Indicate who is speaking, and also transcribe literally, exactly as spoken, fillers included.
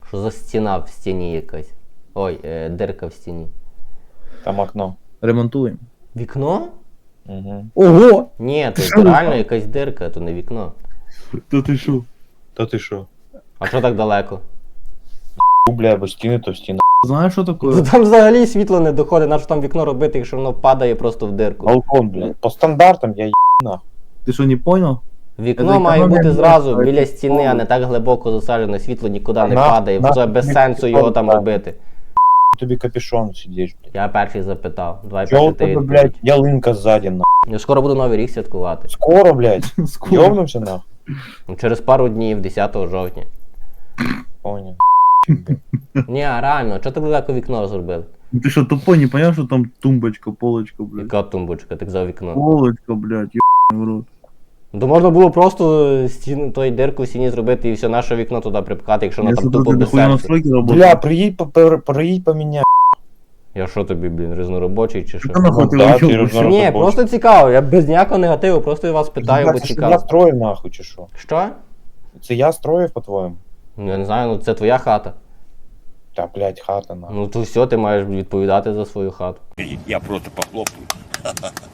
Speaker 1: Що за стіна в стіні якась? Ой, е, дирка в стіні.
Speaker 2: Там окно.
Speaker 3: Ремонтуємо.
Speaker 1: Вікно?
Speaker 2: Угу.
Speaker 3: Ого!
Speaker 1: Ні,
Speaker 3: Що
Speaker 1: то
Speaker 3: ви
Speaker 1: реально
Speaker 3: там?
Speaker 1: якась дирка, то не вікно.
Speaker 3: Та ти що?
Speaker 2: Та ти що?
Speaker 1: А що так далеко?
Speaker 2: Ну, бля, бо стіни, то стіна.
Speaker 3: Знаєш, що
Speaker 1: Ну
Speaker 3: таке?
Speaker 1: там взагалі світло не доходить, на що там вікно робити, якщо воно падає просто в дирку.
Speaker 2: Балкон, блядь. По стандартам я їбна.
Speaker 3: Ти що, не понял?
Speaker 1: Вікно
Speaker 3: Це
Speaker 1: має
Speaker 3: економія
Speaker 1: бути зразу
Speaker 3: місця,
Speaker 1: біля
Speaker 3: це
Speaker 1: стіни, а не так глибоко засаджене, світло нікуди не
Speaker 2: На-
Speaker 1: падає,
Speaker 2: на-
Speaker 1: вже без
Speaker 2: на-
Speaker 1: сенсу його там
Speaker 2: так.
Speaker 1: робити.
Speaker 2: Тобі капюшон сидиш, блядь.
Speaker 1: Я перший запитав. Давай
Speaker 2: Чого
Speaker 1: перший
Speaker 2: у
Speaker 1: ти
Speaker 2: тебе,
Speaker 1: відповідь.
Speaker 2: блядь, ялинка ззаді, на.
Speaker 1: Я скоро буду Новий рік святкувати.
Speaker 2: Скоро, блядь.
Speaker 3: Скоро.
Speaker 2: Йовнувся, нахуй.
Speaker 1: Ну, через пару днів, десятого жовтня.
Speaker 2: Понял.
Speaker 1: Ні, а реально, чого так далеко вікно зробили?
Speaker 3: Ну ти що, тупо, не поняв, що там тумбочка, полочка, блядь.
Speaker 1: Яка тумбочка, так за вікно.
Speaker 3: Полочка, блядь, ебаный в рот.
Speaker 1: Ну, то можна було просто стіну, той дирку в стіні зробити і все наше вікно туди припхати, якщо воно
Speaker 3: Я
Speaker 1: там
Speaker 3: смотрю,
Speaker 1: тупо
Speaker 3: ти
Speaker 1: без
Speaker 3: дохуя
Speaker 1: сенсу.
Speaker 3: настройки
Speaker 2: Бля,
Speaker 3: работаешь.
Speaker 2: приїдь, по- пер- приїдь поміняй.
Speaker 1: Я що тобі, блін, різноробочий чи що?
Speaker 3: Та нахуй ти
Speaker 2: Ну, да,
Speaker 3: вообще
Speaker 2: ти
Speaker 3: робиш?
Speaker 2: розумієш.
Speaker 1: Ні,
Speaker 2: робочий.
Speaker 1: просто цікаво, я без ніякого негативу, просто я вас питаю, бо
Speaker 2: Це що я
Speaker 1: цікаво.
Speaker 2: строїв, нахуй, чи що?
Speaker 1: Що?
Speaker 2: Це я строїв, по-твоєму?
Speaker 1: Ну я не знаю, ну це твоя хата.
Speaker 2: Та, блядь, хата, нахуй.
Speaker 1: Ну то все, ти маєш відповідати за свою хату.
Speaker 4: Я просто похлопаю.